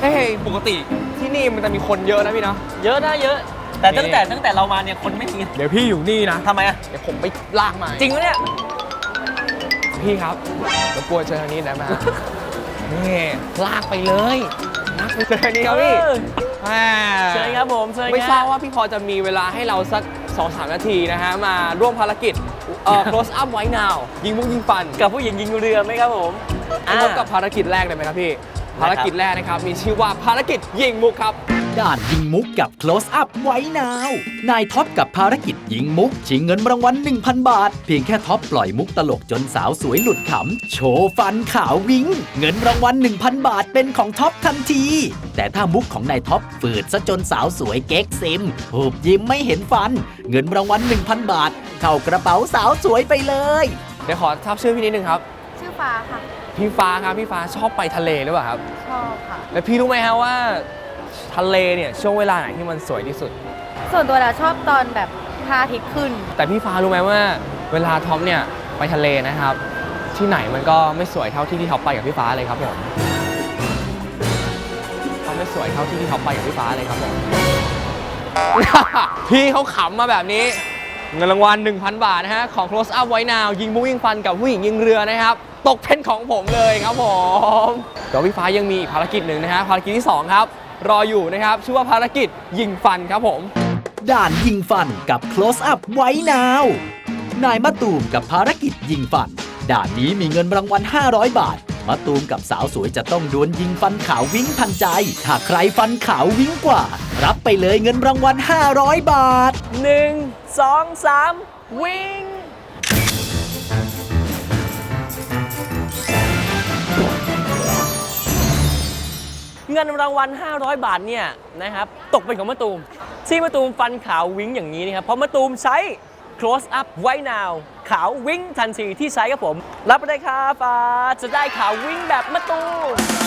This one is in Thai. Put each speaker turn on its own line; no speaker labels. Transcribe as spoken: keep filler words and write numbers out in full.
เฮ้ยปกติที่นี่มันจะมีคนเยอะนะพี่นะ
เยอะนะเยอะแต่ตั้งแต่ตั้งแต่เรามาเนี่ยคนไม่มี
เดี๋ยวพี่อยู่นี่นะ
ทำไมอ่ะ
เดี๋ยวผมไปลากมา
จริงไหมเนี่ย
พี่ครับรบกวนเชิญทางนี้ได้ไหมนี่ลากไปเลยลากไปเชิญทางนี้ครับพี่
เชิญครับผมเชิญ
ไม่ทราบว่าพี่พอจะมีเวลาให้เราสัก สองถึงสาม นาทีนะฮะมาร่วมภารกิจเอ่อ close up White Now ยิงมุกยิงฟัน
กับผู้หญิงยิงเรือไหมครับผม
พบกับภารกิจแรกเลยไหมครับพี่ภารกิจแรกนะครับมีชื่อว่าภารกิจยิงมุกครับ
ด่านยิงมุกกับ close up White Now นายท็อปกับภารกิจยิงมุกชิงเงินรางวัล หนึ่งพัน บาทเพียงแค่ท็อปปล่อยมุกตลกจนสาวสวยหลุดขำโชว์ฟันขาววิ้งเงินรางวัล หนึ่งพัน บาทเป็นของท็อปทันทีแต่ถ้ามุกของนายท็อปฝืดซะจนสาวสวยเก๊กซิมหูบยิ้มไม่เห็นฟันเงินรางวัล หนึ่งพัน บาทเข้ากระเป๋าสาวสวยไปเลย
เดี๋ยวขอทราบชื่อพี่นิดนึงครับ
ชื่อฟ้าค่ะ
พี่ฟ้าครับพี่ฟ้าชอบไปทะเลหรือเปล่าครับ
ชอบค่ะ
แล้วพี่รู้ไหมฮะว่าทะเลเนี่ยช่วงเวลาไหนที่มันสวยที่สุด
ส่วนตัวเราชอบตอนแบบพระอาทิตย์ขึ้น
แต่พี่ฟ้ารู้ไหมว่าเวลาท็อปเนี่ยไปทะเลนะครับที่ไหนมันก็ไม่สวยเท่าที่ที่ท็อปไปกับพี่ฟ้าเลยครับผมเขาไม่สวยเท่าที่ที่ท็อปไปกับพี่ฟ้าเลยครับผม พี่เขาขำมาแบบนี้เงินรางวัล หนึ่งพัน บาทนะฮะของ close up White Now ยิงมุกยิงฟันกับผู้หญิงยิงเรือนะครับตกเป็นของผมเลยครับผมเดี๋ยวพี่ฟ้ายังมีอีกภารกิจหนึ่งนะฮะภารกิจที่สองครับรออยู่นะครับชื่อว่าภารกิจยิงฟันครับผม
ด่านยิงฟันกับ close up White Now นายมะตูมกับภารกิจยิงฟันด่านนี้มีเงินรางวัลห้าร้อยบาทมะตูมกับสาวสวยจะต้องดวลยิงฟันขาววิ้งทันใจถ้าใครฟันขาววิ้งกว่ารับไปเลยเงินรางวัลห้าร้อยบาท
หนึ่ง สอง สามวิ่งเงินรางวัลห้าร้อยบาทเนี่ยนะครับตกเป็นของมะตูมที่มะตูมฟันขาววิ้งอย่างนี้นะครับเพราะมะตูมใช้ close up White Now ขาววิ้งทันทีที่ใช้ครับผมรับไปได้ครับจะได้ขาววิ้งแบบมะตูม